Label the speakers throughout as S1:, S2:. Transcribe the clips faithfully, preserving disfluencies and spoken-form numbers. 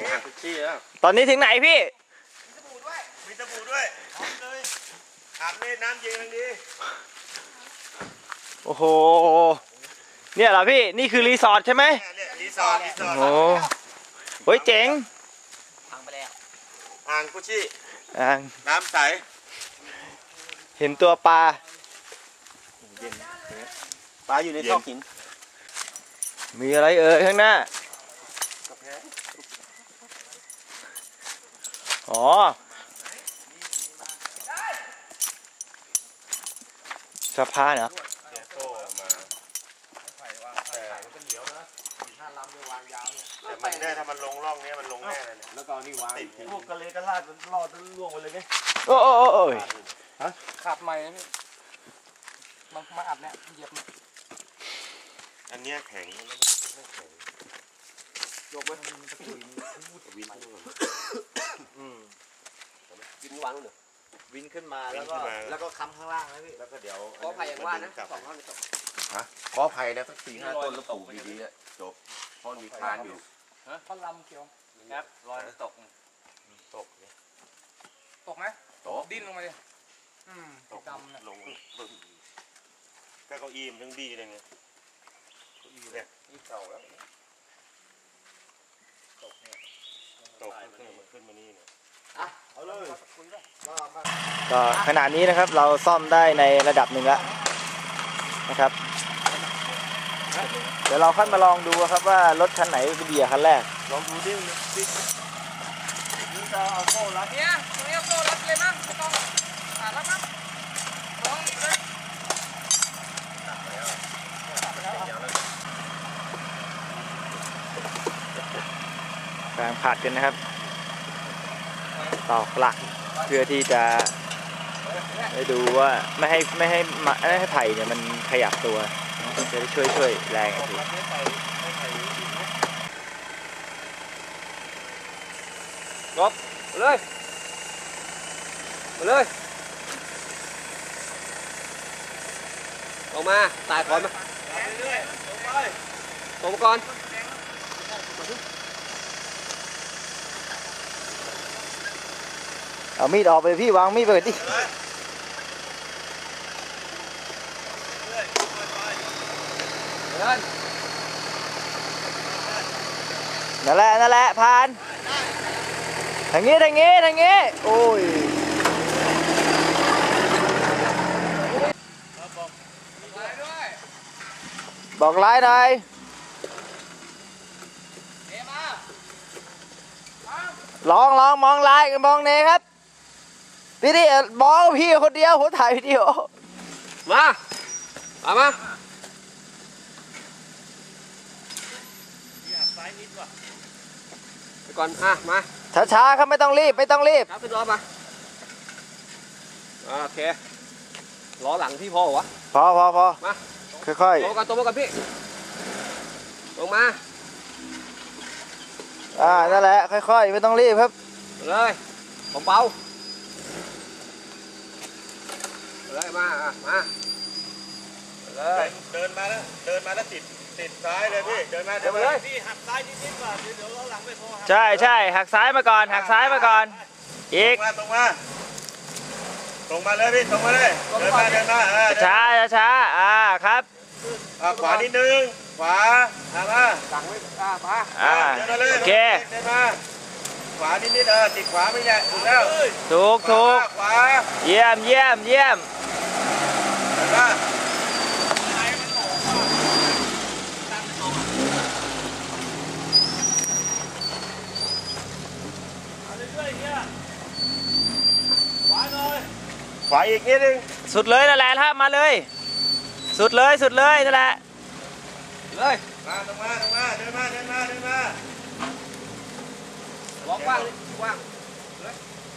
S1: ตอนนี้ถึงไหนพี่
S2: มีสบู่ด้วยมีสบู่ด้วยพร้อมเลยอาบเล่นน้ำเย็นดี
S1: โอ้โหเนี่ยเหรอพี่นี่คือรีสอร์ทใช่ไหม
S2: รีสอร์ทรีสอร์ท
S1: โอ้โหเจ๋ง
S2: พังไปแล้วอ่างกุชิ
S1: อ่าง
S2: น้ำใส
S1: เห็นตัวปลา
S2: ปลาอยู่ในท่อหิน
S1: มีอะไรเอ่ยข้างหน้าอ๋อสะพานเหรอ
S2: แต่มันได้ถ้ามันลงร่องนี้มันลงแน่เลยเนี่ยแล้วก็นี่วางติดพวกกระเลกระลาดรอดล่วงไปเลยไง
S1: โอ้โอ้โอ้ย
S3: ฮะขับใหม่นะพี่มามาอัดเนี่ยเหยียบ
S2: อันนี้แข็ง
S3: ยกไว้ทำมันตะกุย
S2: วิน
S3: อืมวินวางเลย
S2: วินขึ้นมาแล้วก็แล้วก็ค้ำข้างล่างนะพี่แล้วก็เดี๋ยว
S3: ขอไผ่อย่างว่านะสองท่อนตก
S2: ฮะขอไผ่นะสักสี่ห้าต้นแล้วปลูกดีๆจบเพราะมีคานอยู่
S3: ฮะท่อนลำเขียวครับรอยตก
S2: ตก
S3: ตกไหมตกดิ้นลงมาดิอืมตกดำ
S2: ลงก็เก้าอี้มันทั้งดีเลยไงเนี่ย
S3: นี่เก่าแล้ว
S2: ตกเนี่ยตกขึ้นมาขึ้นมานี่เนี่ย
S3: อ่ะเอาเลย
S1: ก็ขนาดนี้นะครับเราซ่อมได้ในระดับหนึ่งแล้วนะครับเดี๋ยวเราค่อยมาลองดูครับว่ารถคันไหนเป็นดีกว่าคันแรก
S2: ลองดูดิดินี่จะเอาโซ่รัด
S3: เนี่ยตรงนี้เอาโซ่รัดเลยมั้งไม่ต้องอ่ารัดมั้งลองเลย
S1: กำลังผัดกันนะครับตอกหลักเพื่อที่จะให้ดูว่าไม่ให้ไม่ให้ไม่ให้ไผ่เนี่ยมันขยับตัวจะได้ช่วยช่วยแรงอีกที
S3: ลบเลยมาเลยออกมาตายก่อนมาตรงก่อน
S1: เอามีดออกไปพี่วางมีดไปดินั่นแหละนั่นแหละผ่านทางนี้ทางนี้ทางนี้โอ้ยบอกไลน์หน่อยลองลองมองไลน์กันมองเนครับพี่ดิมองพี่คนเดียวผมถ่ายวิดีโอ
S3: มาเอามาไปก่อนอ่ะมา
S1: ช้าๆครับไม่ต้องรีบไม่ต้องรีบ
S3: ครับขึ้นรถมาโอเคล้อหลังพี่พอวะ
S1: พอพอพอ
S3: มา
S1: ค่อยๆ
S3: ตรงกันตรงกันพี่ลงมา
S1: อ่านั่นแหละค่อยๆไม่ต้องรีบครับ
S3: เลยผมเบาเลยมาอ่ะมาเลย
S2: เดินมาแล้วเดินมาแล้วติดติดซ้ายเลยพี่เดินมาเดินมาเลยพี่หักซ้ายนิดๆก่อนเดี๋ยวเราหลังไม่พอ
S1: ใช่ใช่หักซ้ายมาก่อนหักซ้ายมาก่อนอีก
S2: ตรงมาตรงมาเลยพี่ตรงมาเลยเดินมาเดินมา
S1: ช้าช้าอ่าครับ
S2: ขวานิดนึงขวาอ่ามา
S3: หลังไม่อ่ามา
S1: อ่าโอเค
S2: เดินมาขวานิดนิดเออติดขวาไม่ใช่ถูกแล้ว
S1: ถูกถูก
S2: ขวา
S1: เยี่ยมเยี่ยมเยี่ยม
S2: ขวาอีกนิดนึง
S1: สุดเลยนั่นแหละครับมาเลยสุดเลยสุดเลยนั่นแหละ
S3: เลย
S2: มาตรงมาตรงมาเดินมาเดินมาเดินมา
S3: ล็อกว่างเลยว่างเลย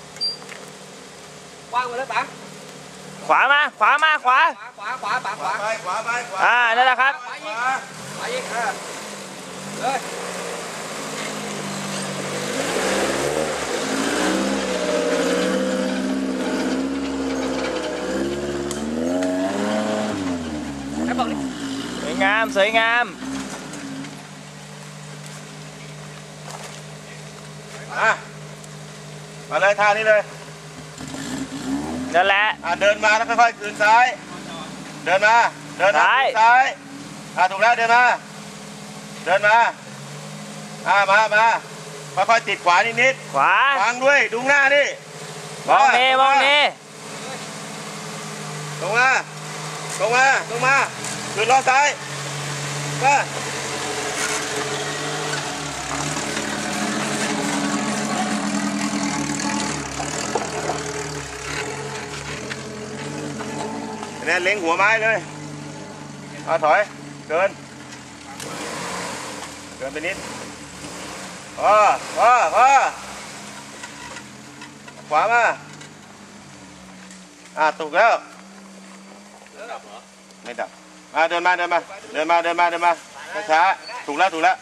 S3: ว่างมาเลยป๋า
S1: ขวามาขวามาขวา
S3: ขวาขวาป๋าขวา
S2: ไปขวาไปขวา
S1: อ่านั่นแหละครับ
S3: ขวาอีกขวาอีกเออเลย
S1: สวยงามสวยงาม
S2: มามาเลยท่านี้เลย
S1: นั่นแหละ
S2: อ่ะเดินมาแล้วค่อยๆคืนซ้ายเดินมาเดินมา
S1: ซ้าย
S2: คืนซ้ายอ่ะถูกแล้วเดินมาเดินมาอ่ะมามาค่อยๆติดขวานิด
S1: ขวา
S2: ๆฟังด้วยดูหน้านี่
S1: มองนี่มองนี่
S2: ตรงมาตรงมาตรงมาคืนล้อซ้ายมาเนี่ยเล็งหัวไม้เลยเอาถอยเดินเดินไปนิดพอพอพอขวามาอ่ะถูกแล้วไม่ดับมาเดินมาเดินมาเดินมาเดินมาเดินมาช้าๆถูกแล้วถูกแล้ว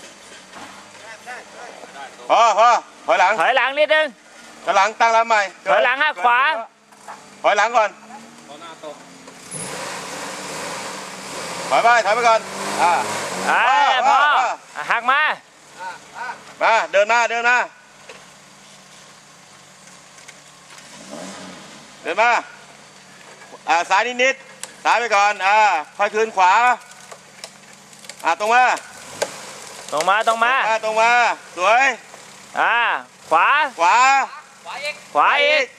S2: พอพอถอยหลัง
S1: ถอยหลังนิดนึง
S2: ถอยหลังตั้งลำใหม่
S1: ถอยหลังหักขวา
S2: ถอยหลังก่อนถอยไปถอยไปก่อนอ่า
S1: อ่า
S2: พ
S1: พ
S2: อ
S1: อ
S2: พอ
S1: อ่ะหักมา
S2: มาเดินมาเดินมาเดินมาอ่าซ้ายนิดนิดซ้ายไปก่อนอ่าค่อยคืนขวาอ่าตรงมา
S1: ตรงมาตรงมา
S2: อ่าตรงมาสวย
S1: อ่าขวา
S2: ขวา
S3: ขวาเอก
S1: ขวาอีก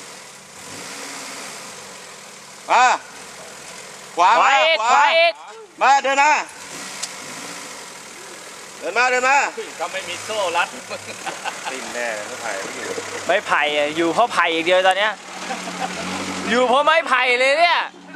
S2: มาขวา
S1: ขวา
S2: มา
S1: อีก
S2: ข
S1: ขวาอีก
S2: มาเดินมาเดินมาเดินมา
S3: ก็ไม่มีโซ่รัด
S2: ติ่นแน่ไม่ถ่ายไม่อยู่
S1: ไม้ไผ่อะอยู่เพราะไผ่อีกเดียวตอนเนี้ยอยู่เพราะไม้ไผ่เลยเนี่ย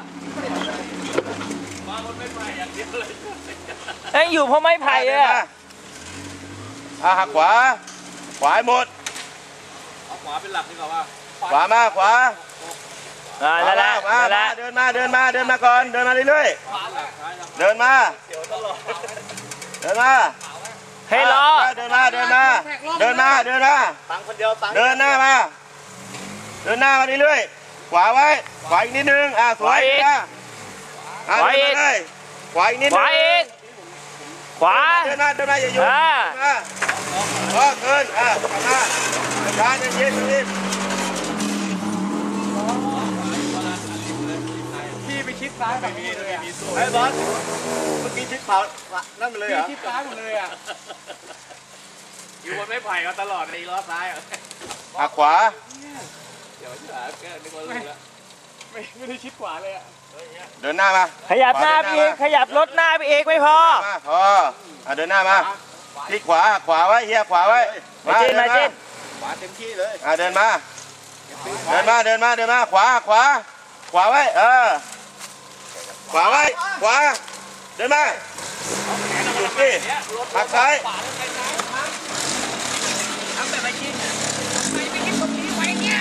S3: มาบนไม่ไปอย่างเดียวเลย
S1: ไอ้ยอยู่เพราะไม้ไผ่
S2: เดิน
S1: อะ
S2: มาอ่าหักขวาขวาให้หมด
S3: เอาขวาเป็นหลักดีกว่าว่า
S2: ขวามาขวา
S1: อ่านั่นแหละ
S2: มา
S1: นั่นแห
S2: มา
S1: ละ
S2: เดินมาเดินมาเดินมาก่อนเดินมาเรื่อย
S3: ขวาหลักซ้ายหลัก
S2: ๆเดินมาเดินมา
S1: ให้รอ
S2: เดินมาเดินมาเดินมาเดินมา
S3: ตังคนเดียวตัง
S2: เดินหน้ามาเดินหน้ามาเรื่อยๆขวาไว้ขวาอีกนิดนึงอ่าสวยนะอ่าเดินมาเลยขวาอีกนิด
S1: ข
S2: นึง
S1: วาอีกขวา
S2: เดินมาเดินมาอย่าหยุด
S1: อ่า
S2: มาพอเกินอ่ากลับมาช้าเย็นเย็นรีบ
S3: พี่ไปชิดซ้ายไม่มีไม่มีโซ่
S2: ไอ้บอสเมื่อกี้ชิดเผานั่นไปเลยเหรอ
S3: ชิดซ้ายหมดเลยอ่ะอยู่บนไม้ไผ่มาตลอดในล้อซ้ายอ่ะ
S2: หักขวา
S3: เดี๋ยวที่หาแกนึกว่ารู้แล้วไม่ไม่ได้ชิดขวาเลยอ่ะ
S2: เดินหน้ามา
S1: ขยับหน้าไปอีกขยับรถหน้าไปอีกไม่พอ
S2: มาพออ่ะเดินหน้ามาที่ขวาขวาไว้เฮียขวาไว้
S1: มาจิ้นมาจิ้น
S3: ขวาเต็มที่เลย
S2: อ่ะเดินมาเดินมาเดินมาเดินมาขวาขวาขวาไว้เออขวาไว้ขวาเดินมาหยุดดิหักซ้าย
S3: ทำแบบไม่ชิดไม่ไปคิดตรงนี้ไว้เนี่ย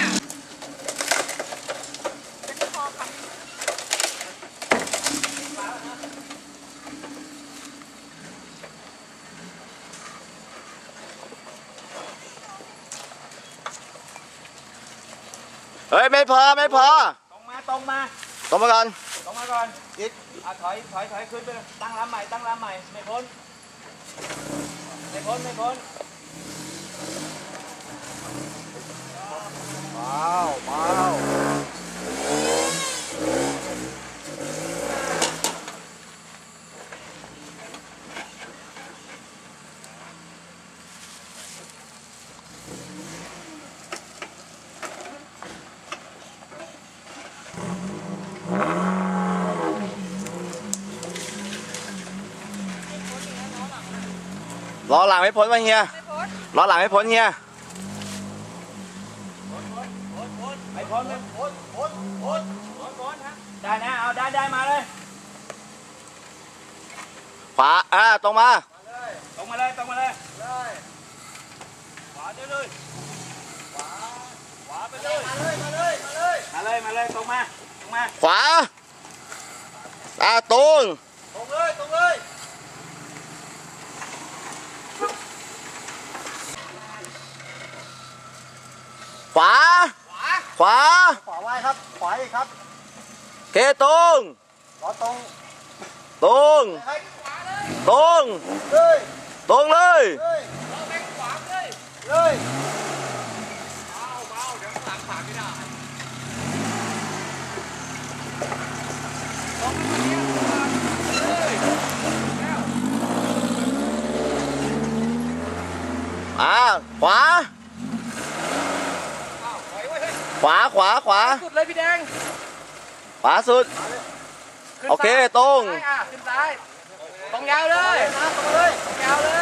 S4: เฮ้ยไม่พอไม่พอ
S1: ตรงมาตรงมา
S4: ตรงมาก่อน
S1: ตรงมาก่อนอีกอ่ะถอยถอยถอยขึ้นไปตั้งลำใหม่ตั้งลำใหม่ไม่พ้นไม่พ้นไม่พ้น
S4: ว้าวว้าว ล้อหลังไม่พ้นวะเฮียล้อหลังไม่พ้นเฮีย
S1: ไม่พ้นไม่พ้นพ้นพ้นพ้นพ้นฮะได้นะเอาได้ได้มาเลย
S4: ขวาอ่าตรงมา
S1: ตรงมาเลยตรงมาเลยขวาเรื่อยขวาขวาไปเลยมาเลยมาเลยมาเลยมาเลยมาเลยตรงมาตรงมา
S4: ขวาอ่าตรง
S1: ตรงเลยตรงเลย
S4: ขวาขวา
S2: ขวาไว้ครับขวาอีกครับ
S4: เคตรง
S2: ล้อตรง
S4: ตรงตรง
S2: เลย
S4: ตรงเลย
S2: เลย
S3: เราแบ่งขวาเลย
S2: เลย
S4: อ่าขวา ขวาขวาขวา
S3: สุดเลยพี่แดง
S4: ขวาสุด โอเคตรง
S3: ขึ้นซ้ายอ่ะขึ้นซ้ายตรงยาวเลยตรงเลยตรงยาวเลย